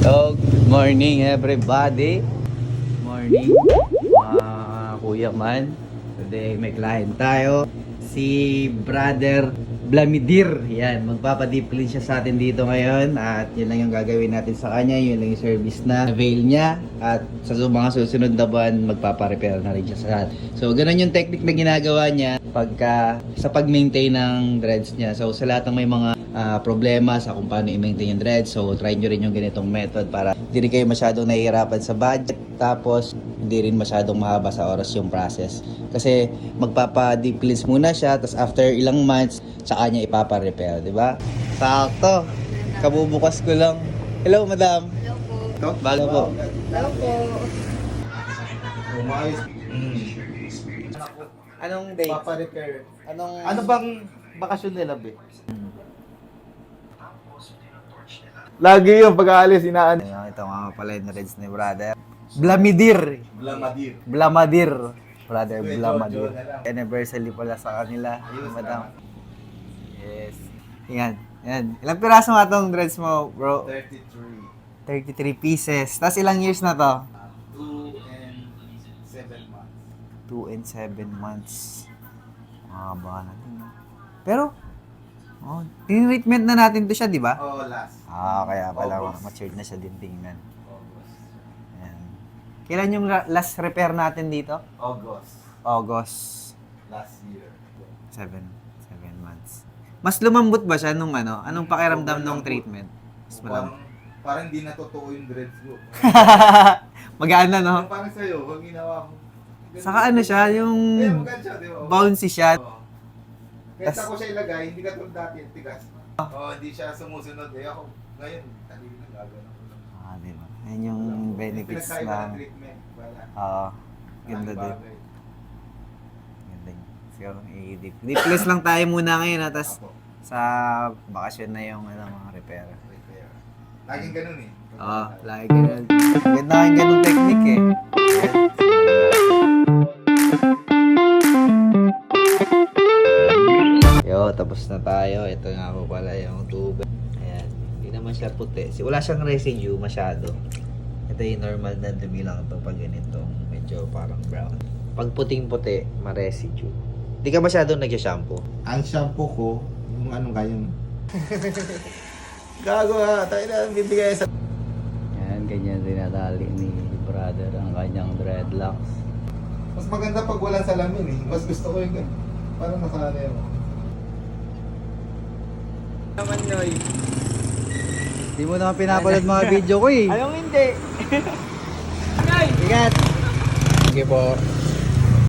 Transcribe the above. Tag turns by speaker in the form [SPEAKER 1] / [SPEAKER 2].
[SPEAKER 1] So, good morning everybody. Morning mga kuya man. Today may client tayo. Si Brother Blamidir. Yan, magpapadeep clean siya sa atin dito ngayon. At yun lang yung gagawin natin sa kanya. Yun lang yung service na avail niya. At sa mga susunod na buwan, magpaparepair na rin siya sa atin. So, ganun yung technique na ginagawa niya sa pag-maintain ng dreads niya. So, sa lahat ng may mga problema sa kung paano i-maintain yung dreads. So, try nyo rin yung ganitong method para hindi rin kayo masyadong nahihirapan sa budget. Tapos, hindi rin masyadong mahaba sa oras yung process. Kasi, magpapa-deep cleanse muna siya. Tapos, after ilang months, saka niya ipapa-repair. Diba? Sakto. Kabubukas ko lang. Hello, madam.
[SPEAKER 2] Hello po.
[SPEAKER 1] Ito, bago po.
[SPEAKER 2] Hello po.
[SPEAKER 1] Anong date?
[SPEAKER 3] Papa-repair.
[SPEAKER 1] Anong...
[SPEAKER 3] Ano bang bakasyon nila, be? Lagi yung pag-aalis, inaan.
[SPEAKER 1] Ayan, ito nga pala yung dreads ni brother. Blamidir.
[SPEAKER 3] Blamadir.
[SPEAKER 1] Blamadir. Brother
[SPEAKER 3] Kuya
[SPEAKER 1] Blamadir.
[SPEAKER 3] Jojo na lang.
[SPEAKER 1] Anniversary pala sa kanila.
[SPEAKER 3] Ayos
[SPEAKER 1] Madam.
[SPEAKER 3] na.
[SPEAKER 1] Yes. Yan. Yan. Ilang piraso nga tong dreads mo, bro?
[SPEAKER 3] 33.
[SPEAKER 1] 33 pieces. Tapos ilang years na to?
[SPEAKER 3] 2 and 7 months.
[SPEAKER 1] 2 and 7 months. Baka natin. Pero, tinreatment na natin to siya, di ba?
[SPEAKER 3] Oh, last.
[SPEAKER 1] Kaya pala
[SPEAKER 3] August.
[SPEAKER 1] matured na siya din tingnan.
[SPEAKER 3] August.
[SPEAKER 1] Yan. Kailan yung last repair natin dito?
[SPEAKER 3] August.
[SPEAKER 1] August.
[SPEAKER 3] Last year.
[SPEAKER 1] 7 months. Mas lumambot ba siya nung ano? Anong pakiramdam nung treatment? Mas malambot.
[SPEAKER 3] Parang hindi na totoo yung dreads ko.
[SPEAKER 1] Magaan na, no?
[SPEAKER 3] Parang sa'yo, pag ginawa mo.
[SPEAKER 1] Saka ano siya, yung
[SPEAKER 3] maganda siya, di ba?
[SPEAKER 1] bouncy siya.
[SPEAKER 3] Oo. Kahit ako siya ilagay, hindi ka tulad dati, tigas. Hindi siya sumusunod. Ako, ngayon, talino na gagawin ko lang.
[SPEAKER 1] Di ba? Yan yung benefits
[SPEAKER 3] Pinagkaiba
[SPEAKER 1] na...
[SPEAKER 3] ng treatment. Wala.
[SPEAKER 1] Ganda din.
[SPEAKER 3] Bagay.
[SPEAKER 1] Ganda yun. Siguro, i-deep cleanse lang tayo muna ngayon, tapos
[SPEAKER 3] Apo.
[SPEAKER 1] sa bakasyon na yung mga repair.
[SPEAKER 3] Repair. Laging ganun eh.
[SPEAKER 1] Lagi ganun. Ganda yung ganung technique eh. Yo, tapos na tayo. Ito nga po pala yung tubig. Ayan. Hindi naman siya puti. Wala siyang residue masyado. Ito yung normal na dumi lang ito pag ganito. Medyo parang brown. Pag puting-puti, ma-residue. Hindi ka masyadong nag-shampoo.
[SPEAKER 3] Ang shampoo ko, yung ano kayong... Gago ha, tayo na bibigay sa...
[SPEAKER 1] Yan, ganyan dinadali ni brother ang kanyang dreadlocks.
[SPEAKER 3] Mas maganda pag walang salamin eh. Mas gusto ko yung ganun. Parang nasanay ako.
[SPEAKER 1] Naman, Noy. Hindi mo naman pinapanood mga video ko eh.
[SPEAKER 2] Anong hindi?
[SPEAKER 1] Ingat! Sige po.